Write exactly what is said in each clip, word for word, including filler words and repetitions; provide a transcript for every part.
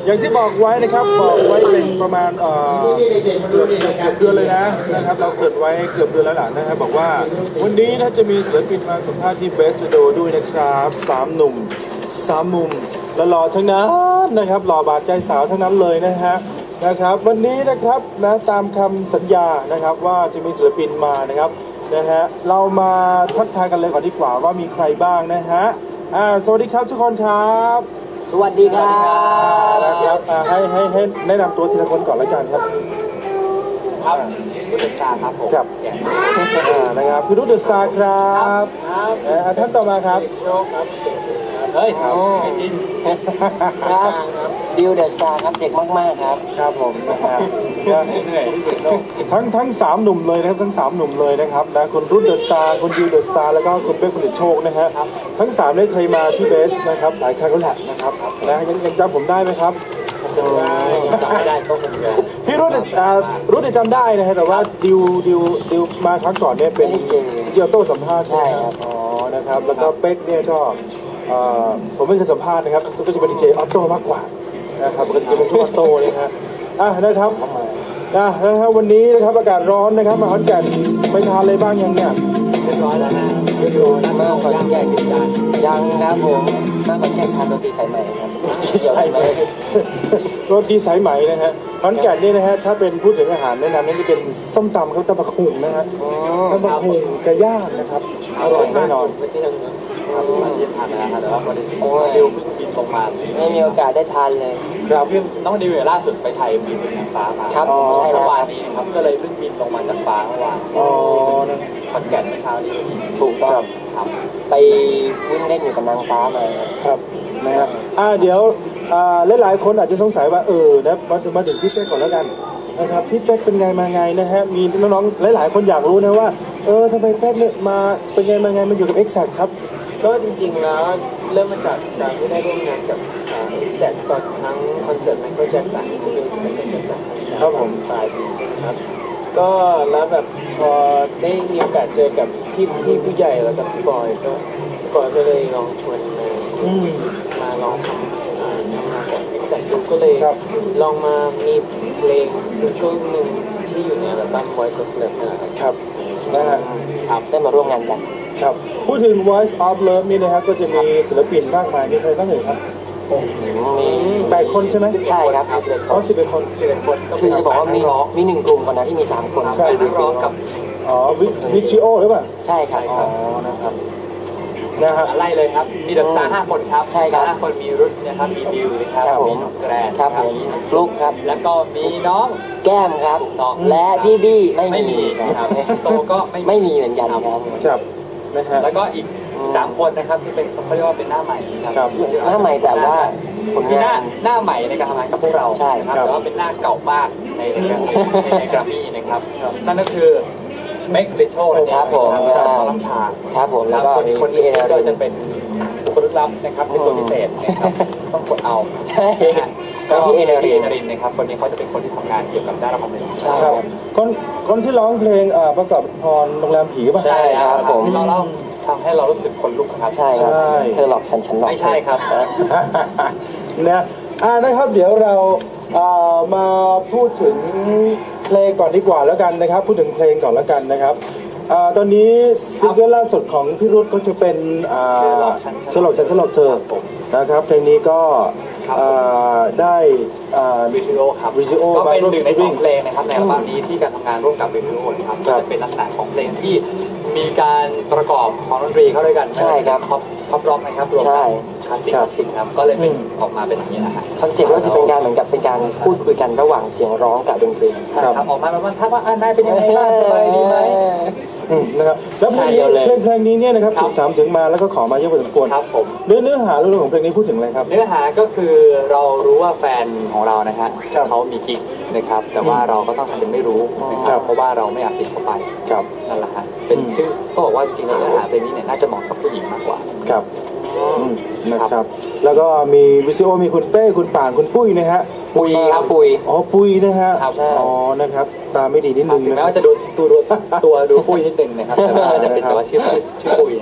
อย่างที่บอกไว้นะครับบอกไว้เป็นประมาณเอ่อเกือบเกือบเดือนเลยนะนะครับเราเกิดไว้เกือบเดือนแล้วล่ะนะครับบอกว่าวันนี้ถ้าจะมีศิลปินมาสัมภาษณ์ที่เบสวิดีโอด้วยนะครับสามหนุ่มสามมุมและหล่อทั้งนั้นนะครับหล่อบาดใจสาวทั้งนั้นเลยนะฮะนะครับวันนี้นะครับนะตามคำสัญญานะครับว่าจะมีศิลปินมานะครับนะฮะเรามาทักทายกันเลยก่อนดีกว่าว่ามีใครบ้างนะฮะอ่าสวัสดีครับทุกคนครับสวัสดีครับนะครับให้ให้ให้แนะนำตัวทีละคนก่อนละกันครับครับพี่ดุษฎาครับผมครับนะครับพี่ดุษฎาครับครับท่านต่อมาครับโชคครับเฮ้ยครับจริงครับดิวเดอะสตาร์ครับเด็กมากๆครับครับผมนะครับทั้งทั้งสามหนุ่มเลยนะครับทั้งสามหนุ่มเลยนะครับนะคุณรุ่นเดอะสตาร์คุณดิวเดอะสตาร์แล้วก็คุณเป๊กคุณเดชโชคนะฮะทั้งสามได้เคยมาที่เบสนะครับหลายครั้งแล้วแหละนะครับนะยังยังจำผมได้ไหมครับจำไม่ได้ก็คงจะพี่รุ่นรุ่นจำได้นะฮะแต่ว่าดิวดิวดิวมาครั้งก่อนเนี่ยเป็นเจียวโต้สัมภาษณ์ใช่ครับอ๋อนะครับแล้วก็เป๊กเนี่ยก็ผมไม่เคยสัมภาษณ์นะครับก็จะเป็นดีเจออโต้มากกว่านะครับปกติจะเป็นช่วงออโต้เลยครับอ่ะนะครับนะนะครับวันนี้นะครับอากาศร้อนนะครับมาขอนแก่นไปทานอะไรบ้างยังเนี่ยเรียบร้อยแล้วนะเรียบร้อยแล้วมาขอนแก่นติดจานยังครับผมมาขอนแก่นทานโรตีสายไหมครับโรตีสายไหมโรตีสายไหมนะฮะขอนแก่นนี่นะฮะถ้าเป็นพูดถึงอาหารแนะนำนี่จะเป็นส้มตำครับตำบักหุ่งนะฮะตำบักหุ่งไก่ย่างนะครับอร่อยแน่นอนครับมาเยี่ยมทานนะครับแต่ว่าพอดีดิวเพิ่งบินลงมาไม่มีโอกาสได้ทานเลยครับเพิ่งน้องดิวล่าสุดไปไทยบินเป็นนางฟ้ามาครับใช่เมื่อวานนี้ครับก็เลยเพิ่งบินลงมาจากฟ้าเมื่อวานอ๋อขอนแก่นเมื่อเช้านี้ถูกต้องครับไปวิ่งเล่นอยู่กับนางฟ้ามาครับนะฮะอ่าเดี๋ยวอ่าหลายๆคนอาจจะสงสัยว่าเออนะมามาถึงพี่เป๊กก่อนแล้วกันนะครับพี่เป๊กเป็นไงมาไงนะฮะมีน้องๆหลายๆคนอยากรู้นะว่าเออทำไมเป๊กเนี่ยมาเป็นไงมาไงมาอยู่กับ Exact ครับก็จริงๆแล้วเริ่มมาจากการที่ได้ร่วมงานกับExactตอนทั้งคอนเสิร์ตไมเคิลแจ็คสันที่เป็นเป็นเป็นคอนเสิร์ตครับผมปลายปีนะครับก็แล้วแบบพอได้มีโอกาสเจอกับพี่พี่ผู้ใหญ่แล้วกับพี่บอยก็พี่บอยก็เลยลองชวนมามาลองทำทำงานกับExactดูก็เลยลองมามีเพลงซิงเกิลหนึ่งที่อยู่ในอัลบั้ม Voice of Love นะครับนะฮะครับได้มาร่วมงานกันครับพูดถึง Voice of Love นี่นะครับก็จะมีศิลปินมากมายมีใครบ้างเอ่ยครับมีแปดคนใช่ไหมใช่ครับอ๋อสิบเอ็ดคนสิบเอ็ดคนคือจะบอกว่ามีมีหนึ่งกลุ่มก่อนนะที่มีสามคนใช่นักร้องกับอ๋อวิชิโอหรือเปล่าใช่ครับอ๋อนะครับนะฮะไล่เลยครับมีเดอะสตาร์ห้าคนครับใช่ครับห้าคนมีรุ่นนะครับมีดิวนะครับมีน้องแกรนครับมีฟลุ๊กครับแล้วก็มีน้องแก้มครับและพี่บี้ไม่มีครับโตก็ไม่มีเหมือนกันครับครับนะฮะแล้วก็อีกสามคนนะครับที่เป็นเขาเรียกว่าเป็นหน้าใหม่ครับหน้าใหม่แต่ว่ามีหน้าหน้าใหม่ในการทำงานกับพวกเราใช่ครับแต่ว่าเป็นหน้าเก่ามากในในในกรามี่นะครับนั่นก็คือเมกลิโชนะครับผมน้ำชาครับผมแล้วก็คนที่ก็จะเป็นคนลึกลับนะครับเป็นตัวพิเศษนะครับต้องกดเอาก็พี่เอเนรินนะครับคนนี้เขาจะเป็นคนที่ทำงานเกี่ยวกับด้านระบบนิใช่ครับคนคนที่ร้องเพลงประกอบพรโรงแรมผีป่ะใช่ครับผมที่เราเล่าทำให้เรารู้สึกขนลุกครับใช่ครับเธอหลอกฉันฉันหลอกไม่ใช่ครับนะอ่านะครับเดี๋ยวเรามาพูดถึงเพลงก่อนดีกว่าแล้วกันนะครับพูดถึงเพลงก่อนแล้วกันนะครับตอนนี้ซิงเกิลล่าสุดของพี่รุ่ก็จะเป็นฉลองฉันฉลองเธอนะครับเพลงนี้ก็ได้วิดีโอครับวิดีโอก็เป็นหนึ่งในสองเพลงนะครับในอัลบั้มนี้ที่การทำงานร่วมกับวิดีโอครับจะเป็นลักษณะของเพลงที่มีการประกอบของดนตรีเข้าด้วยกันใช่ครับท็อปท็อปร็อกนะครับรวมกับคลาสสิกคลาสสิกครับก็เลยเป็นออกมาเป็นอย่างนี้นะครับคอนเซ็ปต์ก็จะเป็นการเหมือนกับเป็นการพูดคุยกันระหว่างเสียงร้องกับดนตรีครับออกมาแบบว่าถ้าว่าอ่านได้เป็นยังไงบ้างสบายดีไหมนะครับแล้วเพลงนี้เพลงเพลงนี้เนี่ยนะครับถูกถามถึงมาแล้วก็ขอมาเยอะพอสมควรครับผมเนื้อเนื้อหาเรื่องของเพลงนี้พูดถึงอะไรครับเนื้อหาก็คือเรารู้ว่าแฟนของเรานะฮะเขามีกิ๊กนะครับแต่ว่าเราก็ต้องทำเป็นไม่รู้นะครับเพราะว่าเราไม่อยากเสียเขาไปครับนั่นแหละฮะเป็นชื่อก็บอกว่าจริงๆแล้วเนื้อหาเพลงนี้เนี่ยน่าจะเหมาะกับผู้หญิงมากกว่าครับนะครับแล้วก็มีวิซิโอมีคุณเป้คุณป่านคุณปุ้ยนะฮะปุยครับปุยอ๋อปุยนะฮะอ๋อนะครับตาไม่ดีนิดนึงนะแม้ว่าจะดูตัวตัวดูปุยนิดนึงนะครับแต่ว่าจะเป็นแต่ว่าชื่อชื่อปุยนะ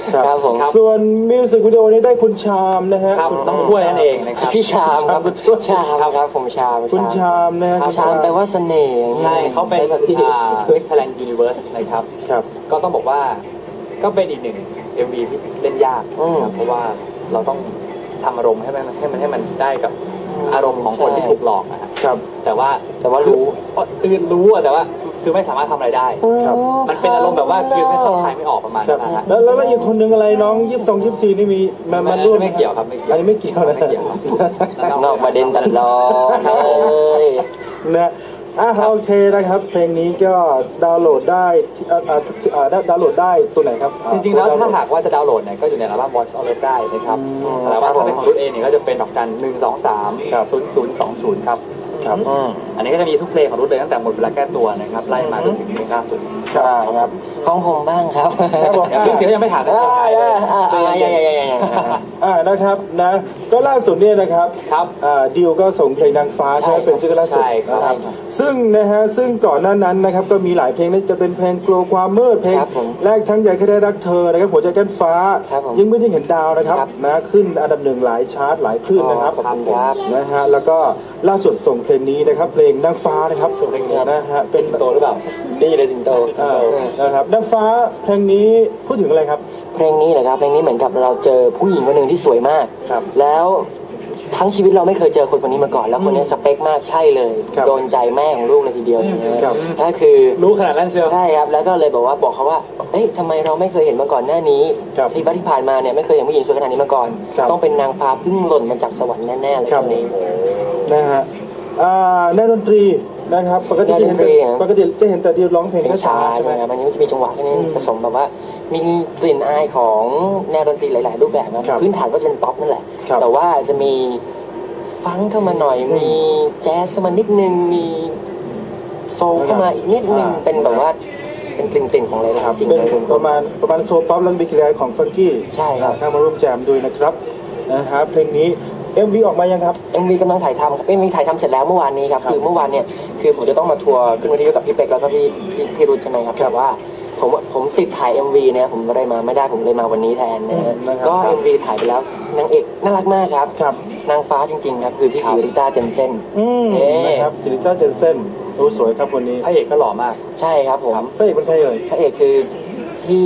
ครับผมส่วนมิวสิกวิดีโอนี้ได้คุณชามนะฮะครับน้องถ้วยนั่นเองนะครับพี่ชามครับชามครับผมชามคุณชามนะฮะชามแปลว่าเสน่ห์ใช่เขาเป็นอ่า Miss Thailand Universe นะครับครับก็ต้องบอกว่าก็เป็นอีกหนึ่ง เอ็ม วี ที่เล่นยากนะครับเพราะว่าเราต้องทำอารมณ์ให้มันให้มันให้มันได้กับอารมณ์ของคนที่ถูกหลอกนะฮะครับแต่ว่าแต่ว่ารู้คือรู้อะแต่ว่าคือไม่สามารถทำอะไรได้ครับมันเป็นอารมณ์แบบว่าคือไม่เข้าใครไม่ออกประมาณครับนั้นนะฮะแล้วแล้วแล้วอีกคนนึงอะไรน้องยี่สิบสองยี่สิบสี่นี่มีมามาร่วมไม่เกี่ยวครับไม่เกี่ยวอันนี้ไม่เกี่ยวนะไม่เกี่ยวครับนอกประเด็นตลอดเลยนะอ่ะโอเคนะครับเพลงนี้ก็ดาวน์โหลดได้ที่อ่าอ่าอ่าดาวน์โหลดได้ตัวไหนครับจริงๆ แล้วถ้าหากว่าจะดาวน์โหลดเนี่ยก็อยู่ในอัลบั้ม Voice of Love ได้นะครับแต่ว่าถ้าเป็นของรุ่นเองเนี่ยก็จะเป็นดอกจันหนึ่งสองสามศูนย์ศูนย์สองศูนย์ครับครับอันนี้ก็จะมีทุกเพลงของรุ่นเลยตั้งแต่หมดเวลาแก้ตัวนะครับไล่มาจนถึงเพลงล่าสุดใช่ครับของผมบ้างครับครับผมเดี๋ยวเสียงยังไม่ถามนะอ่าใครเลยอ่าอ่าอ่าอย่างอย่างอย่างอย่างอ่านะครับนะก็ล่าสุดเนี่ยนะครับครับอ่าดิวก็ส่งเพลงนางฟ้าใช่ไหมเป็นซิงเกิลล่าสุดใช่ครับนะครับซึ่งนะฮะซึ่งก่อนหน้านั้นนะครับก็มีหลายเพลงนั่นจะเป็นเพลงกลัวความมืดเพลงครับผมแรกทั้งใหญ่แค่ได้รักเธอนะครับหัวใจกันฟ้าครับผมยิ่งไม่ยิ่งเห็นดาวนะครับครับนะขึ้นอันดับหนึ่งหลายชาร์ตหลายคลื่นนะครับขอบคุณครับนะฮะแล้วก็ล่าสุดส่งเพลงนี้นะครับเพลงนางฟ้านะครับส่งเพลงนี้นะฮะเป็นโตหรือเปล่าดีเลยสิงโตอ่านะครับนางฟ้าเพลงนี้พูดถึงอะไรครับเพลงนี้เหรอครับเพลงนี้เหมือนกับเราเจอผู้หญิงคนหนึ่งที่สวยมากครับแล้วทั้งชีวิตเราไม่เคยเจอคนคนนี้มาก่อน แล้วคนนี้สเปคมากใช่เลยครับโดนใจแม่ของลูกเลยทีเดียวอย่างเงี้ยครับก็คือรู้ขนาดนั้นเชียวใช่ครับแล้วก็เลยบอกว่าบอกเขาว่าเอ้ยทำไมเราไม่เคยเห็นมาก่อนหน้านี้ครับที่บ้านที่ผ่านมาเนี่ยไม่เคยเห็นผู้หญิงสวยขนาดนี้มาก่อนครับต้องเป็นนางฟ้าเพึ่งหล่นมาจากสวรรค์แน่ๆเลยครับคนนี้นะฮะอ่าแนวดนตรีนะครับปกติจะเห็นแนวดนตรีครับปกติจะเห็นแต่ดิวร้องเพลงเพลงช้าช้าๆใช่ใช่ไหไหมมครับอันนี้มันจะมีจังหวะแค่นี้ผสมแบบว่ามีกลิ่นอายของแนวดนตรีหลาย ๆ รูปแบบครับครับพื้นฐานก็จะเป็นป๊อปนั่นแหละครับแต่ว่าจะมีฟังก์เข้ามาหน่อยมีแจ๊สเข้ามานิดนึงมีโซลเข้ามาอีกนิดนึงอ่าเป็นแบบว่าเป็นกลิ่นๆของอะไรนะครับจริงเป็นเลยประมาณประมาณโซป๊อปแล้วมีกลิ่นอายของฟังกี้ใช่ครับเข้ามาร่วมแจมด้วยนะครับนะฮะเพลงนี้ เอ็ม วี ออกมายังครับเอ็มวีกำลังถ่ายทำครับเอ็มวีถ่ายทำเสร็จแล้วเมื่อวานนี้ครับครับคือเมื่อวานเนี่ยคือผมจะต้องมาทัวร์ขึ้นวิทยุกับพี่เป็กแล้วก็พี่พี่พี่รุ่นใช่ไหมครับแต่ว่าผมผมติดถ่าย เอ็ม วี เนี่ยผมไม่ได้มาไม่ได้ผมเลยมาวันนี้แทนนะฮะอืมนะครับก็ เอ็ม วี ถ่ายไปแล้วนางเอกน่ารักมากครับครับนางฟ้าจริงๆครับคือพี่ครับสิริต้าเจนเซ่นอืมเอ๊ะนะครับซิริจ้าเจนเซนโอ้สวยครับวันนี้พระเอกก็หล่อมากใช่ครับผมพระเอกเป็นใครเอ่ยพระเอกคือพี่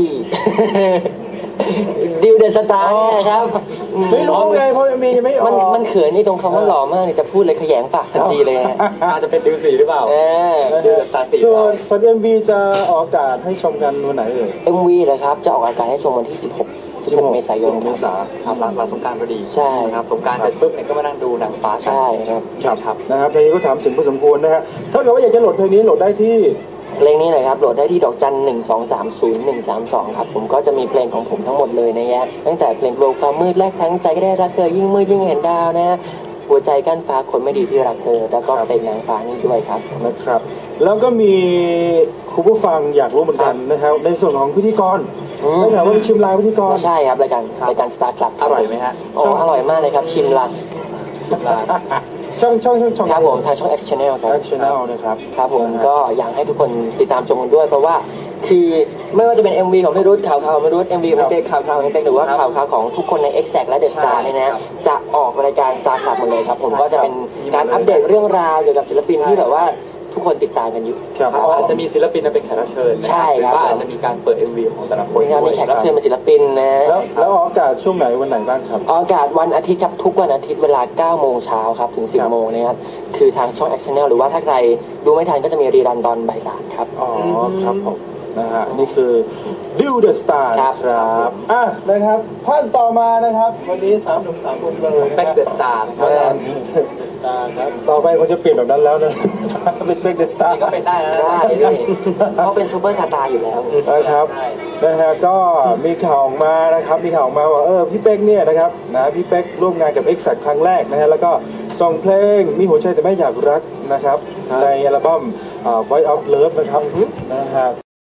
ดิวเดอะสตาร์เนี่ยครับไม่รู้ไงเพราะมียังไม่ออมันกมันเขินนี่ตรงคำว่าหล่อมากเนี่ยจะพูดเลยขยงปากทันทีเลยฮะอาจจะเป็นดิวสีหรือเปล่าเออดิวสตาร์สีส่วนส่วน เอ็ม วี จะออกอากาศให้ชมกันวันไหนเอ่ยเอ็ม วี เลยครับ จะออกอากาศให้ชมวันที่ สิบหก สิบหก เมษายนเมษาครับหลังหลังสงกรารพอดีใช่ครับสงกรารเสร็จปุ๊บเนี่ยก็มานั่งดูหนังฟ้ากันใช่ครับครับครับนะครับเพลงนี้ก็ถามถึงพอสมควรนะฮะถ้าเกิดว่าอยากจะโหลดเพลงนี้โหลดได้ที่เพลงนี้เลยครับโหลดได้ที่ดอกจันหนึ่งสองสามศูนย์หนึ่งสามสองครับผมก็จะมีเพลงของผมทั้งหมดเลยนะฮะตั้งแต่เพลงโลกความมืดแรกทั้งใจก็ได้รักเธอยิ่งมืดยิ่งเห็นดาวนะฮะหัวใจกั้นฟ้าคนไม่ดีที่รักเธอแล้วก็เพลงนางฟ้านี่ด้วยครับนะครับ แล้วก็มีคุณผู้ฟังอยากรู้เหมือนกันนะครับในส่วนของพิธีกรอืมได้ถามว่ามีชิมลางพิธีกรใช่ครับรายการรายการสตาร์คลับอร่อยไหมฮะโอ้อร่อยมากเลยครับชิมละชิมลางช่องช่องช่องช่องครับผมทางช่อง X Channel ครับแอคชั่นแนลนะครับครับผมก็อยากให้ทุกคนติดตามชมกันด้วย เพราะว่าคือไม่ว่าจะเป็น เอ็ม วี ของพี่รุ่ข่าวข่าวของพี่รุ่ เอ็ม วี ของพี่เป๊กข่าวข่าวของพี่เป๊กหรือว่าข่าวข่าวของทุกคนใน Exact และ The Star เนี่ยนะจะออกรายการ Star Club หมดเลยครับผมก็จะเป็นการอัปเดตเรื่องราวเกี่ยวกับศิลปินที่แบบว่าทุกคนติดตามกันอยู่ครับครับอาจจะมีศิลปินมาเป็นแขกรับเชิญนะใช่หรืครัอบ ว่าอาจจะมีการเปิด เอ็ม วี ของแต่ละคนมีการมีด้วยแขกรับเชิญเป็นศิลปินนะแล้วแล้วออกอากาศช่วงไหนวันไหนบ้างครับออกอากาศวันอาทิตย์ครับทุกวันอาทิตย์เวลาเก้าโมงเช้าครับถึง สิบครับโมงนะครับคือทางช่อง X Channel หรือว่าถ้าใครดูไม่ทันก็จะมีรีรันตอนบ่ายสามครับอ๋อครับผมนะฮะนี่คือดิวเดอะสตาร์ครับครับอ่ะนะครับท่านต่อมานะครับ วันนี้สามหนุ่มสามคนเลยแบ็คเดอะสตาร์ครับต่อไปเขาจะเปลี่ยนแบบนั้นแล้วนะ เป็นเบรกเดอะสตาร์ก็เป็นได้นะได้ด้วยเขาเป็นซูเปอร์สตาร์อยู่แล้วนะครับนะฮะก็มีข่าวออกมานะครับมีข่าวออกมาว่าเออพี่เป๊กเนี่ยนะครับนะพี่เป๊กร่วมงานกับ Exact ครั้งแรกนะฮะแล้วก็ส่งเพลงมีหัวใจแต่ไม่อยากรักนะครับในอัลบั้มอ่า Voice of Love นะครับนะฮะ